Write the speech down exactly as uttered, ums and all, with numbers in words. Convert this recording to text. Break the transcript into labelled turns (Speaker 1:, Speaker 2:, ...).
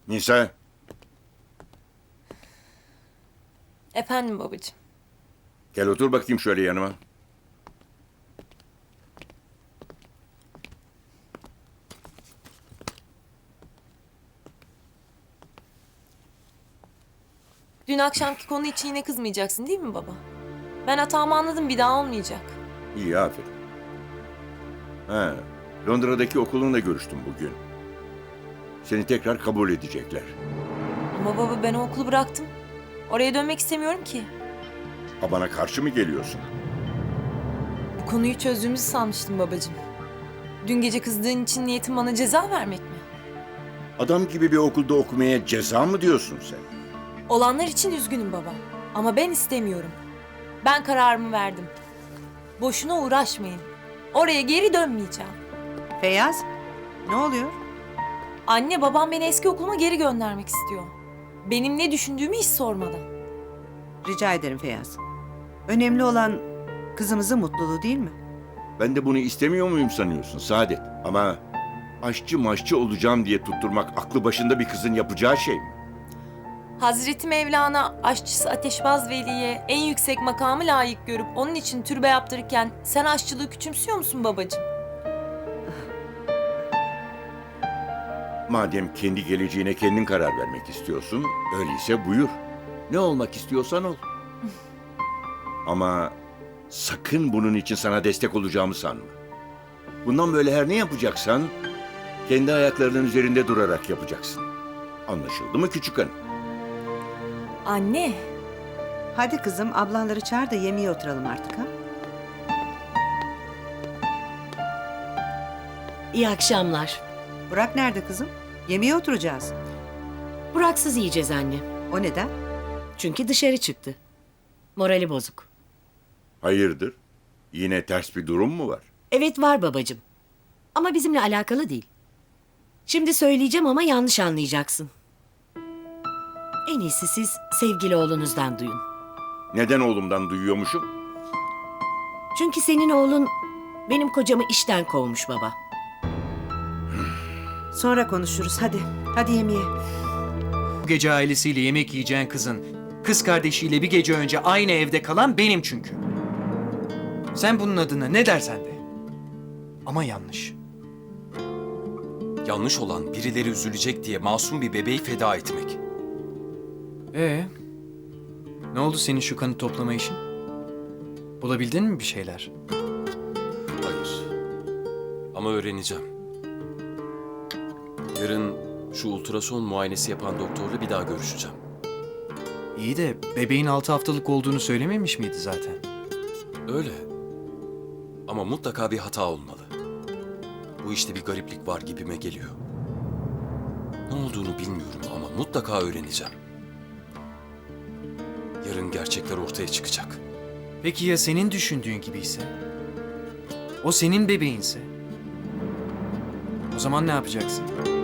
Speaker 1: Nisa,
Speaker 2: Efendim babacığım.
Speaker 1: gel otur bakayım şöyle yanıma.
Speaker 2: Dün akşamki konu için yine kızmayacaksın değil mi baba? Ben hatamı anladım, bir daha olmayacak.
Speaker 1: İyi, aferin. Ha, Londra'daki okulunla görüştüm bugün. Seni tekrar kabul edecekler.
Speaker 2: Ama baba ben o okulu bıraktım. Oraya dönmek istemiyorum ki.
Speaker 1: Ha, bana karşı mı geliyorsun?
Speaker 2: Bu konuyu çözdüğümüzü sanmıştım babacığım. Dün gece kızdığın için niyetin bana ceza vermek mi?
Speaker 1: Adam gibi bir okulda okumaya ceza mı diyorsun sen?
Speaker 2: Olanlar için üzgünüm baba. Ama ben istemiyorum. Ben kararımı verdim. Boşuna uğraşmayın. Oraya geri dönmeyeceğim.
Speaker 3: Feyyaz, ne oluyor?
Speaker 2: Anne babam beni eski okuluma geri göndermek istiyor. Benim ne düşündüğümü hiç sormadan.
Speaker 3: Rica ederim Feyyaz. Önemli olan kızımızın mutluluğu değil mi?
Speaker 1: Ben de bunu istemiyor muyum sanıyorsun Saadet? Ama aşçı maşçı olacağım diye tutturmak aklı başında bir kızın yapacağı şey mi?
Speaker 2: Hazreti Mevlana aşçısı Ateşbaz Veli'ye en yüksek makamı layık görüp onun için türbe yaptırırken sen aşçılığı küçümsüyor musun babacığım?
Speaker 1: Madem kendi geleceğine kendin karar vermek istiyorsun, öyleyse buyur. Ne olmak istiyorsan ol. Ama sakın bunun için sana destek olacağımı sanma. Bundan böyle her ne yapacaksan kendi ayaklarının üzerinde durarak yapacaksın. Anlaşıldı mı küçük hanım?
Speaker 2: Anne,
Speaker 3: Hadi kızım ablanları çağır da yemeğe oturalım artık ha.
Speaker 4: İyi akşamlar.
Speaker 3: Burak nerede kızım? Yemeğe oturacağız.
Speaker 4: Buraksız yiyeceğiz anne.
Speaker 3: O neden?
Speaker 4: Çünkü dışarı çıktı. Morali bozuk.
Speaker 1: Hayırdır? Yine ters bir durum mu var?
Speaker 4: Evet var babacığım. Ama bizimle alakalı değil. Şimdi söyleyeceğim ama yanlış anlayacaksın. En iyisi siz sevgili oğlunuzdan duyun.
Speaker 1: Neden oğlumdan duyuyormuşum?
Speaker 4: Çünkü senin oğlun benim kocamı işten kovmuş baba.
Speaker 3: Sonra konuşuruz hadi. Hadi yemeğe.
Speaker 5: Bu gece ailesiyle yemek yiyeceğin kızın kız kardeşiyle bir gece önce aynı evde kalan benim çünkü. Sen bunun adına ne dersen de. Ama yanlış.
Speaker 6: Yanlış olan birileri üzülecek diye masum bir bebeği feda etmek.
Speaker 5: Ee, ne oldu senin şu kanı toplama işin? Bulabildin mi bir şeyler?
Speaker 6: Hayır. Ama öğreneceğim. Yarın şu ultrason muayenesi yapan doktorla bir daha görüşeceğim.
Speaker 5: İyi de bebeğin altı haftalık olduğunu söylememiş miydi zaten?
Speaker 6: Öyle. Ama mutlaka bir hata olmalı. Bu işte bir gariplik var gibime geliyor. Ne olduğunu bilmiyorum ama mutlaka öğreneceğim. Yarın gerçekler ortaya çıkacak.
Speaker 5: Peki ya senin düşündüğün gibiyse? O senin bebeğinse? O zaman ne yapacaksın?